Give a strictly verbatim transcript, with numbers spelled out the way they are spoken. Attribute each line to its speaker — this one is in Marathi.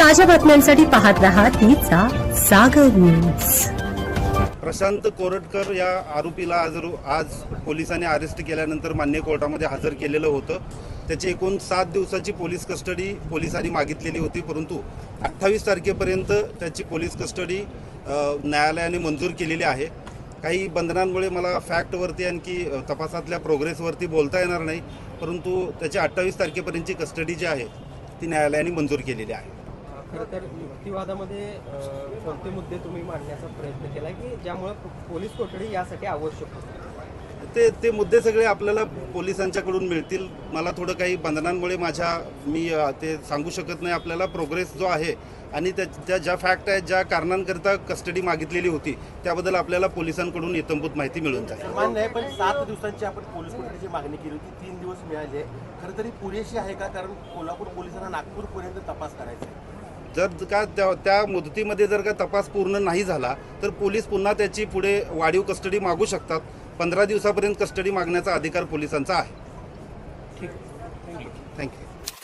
Speaker 1: ताज्या बातम्यांसाठी पाहत रहा तिचा सागर न्यूज।
Speaker 2: प्रशांत कोरटकर या आरोपीला आज आज पोलिसांनी अरेस्ट केल्यानंतर मान्य कोर्टामध्ये हजर केलेलं होतं। त्याची एकूण सात दिवसाची पोलीस कस्टडी पोलिसांनी मागितलेली होती, परंतु अठ्ठावीस तारखेपर्यंत त्याची पोलीस कस्टडी न्यायालयाने मंजूर केलेली आहे। काही बंधनांमुळे मला फॅक्टवरती आणखी तपासातल्या प्रोग्रेसवरती बोलता येणार नाही, परंतु त्याची अठ्ठावीस तारखेपर्यंतची कस्टडी जी आहे ती न्यायालयाने मंजूर केलेली आहे।
Speaker 3: खरं तर युक्तिवादामध्ये कोणते मुद्दे तुम्ही मांडण्याचा प्रयत्न केला की ज्यामुळे पोलीस कोठडी यासाठी आवश्यक होती?
Speaker 2: ते ते मुद्दे सगळे आपल्याला पोलिसांच्याकडून मिळतील। मला थोडं काही बंधनांमुळे माझ्या मी ते सांगू शकत नाही आपल्याला। प्रोग्रेस जो आहे आणि त्या ज्या फॅक्ट आहेत, ज्या कारणांकरता कस्टडी मागितलेली होती, त्याबद्दल आपल्याला पोलिसांकडून इत्थंभूत माहिती मिळून जाईल।
Speaker 4: मान्य आहे, पण सात दिवसांची आपण पोलीस कोठडीची मागणी केली होती, तीन दिवस मिळाले। खरं तरी पुरेशी आहे का? कारण कोल्हापूर पोलिसांना नागपूरपर्यंत तपास करायचा आहे।
Speaker 2: जर का त्या त्या मुदतीमध्ये जर का तपास पूर्ण नाही झाला तर पोलीस पुन्हा त्याची पुढे वाढीव कस्टडी मागू शकतात। पंधरा दिवसापर्यंत कस्टडी मागण्याचा अधिकार पोलिसांचा आहे।
Speaker 3: ठीक,
Speaker 2: थँक्यू।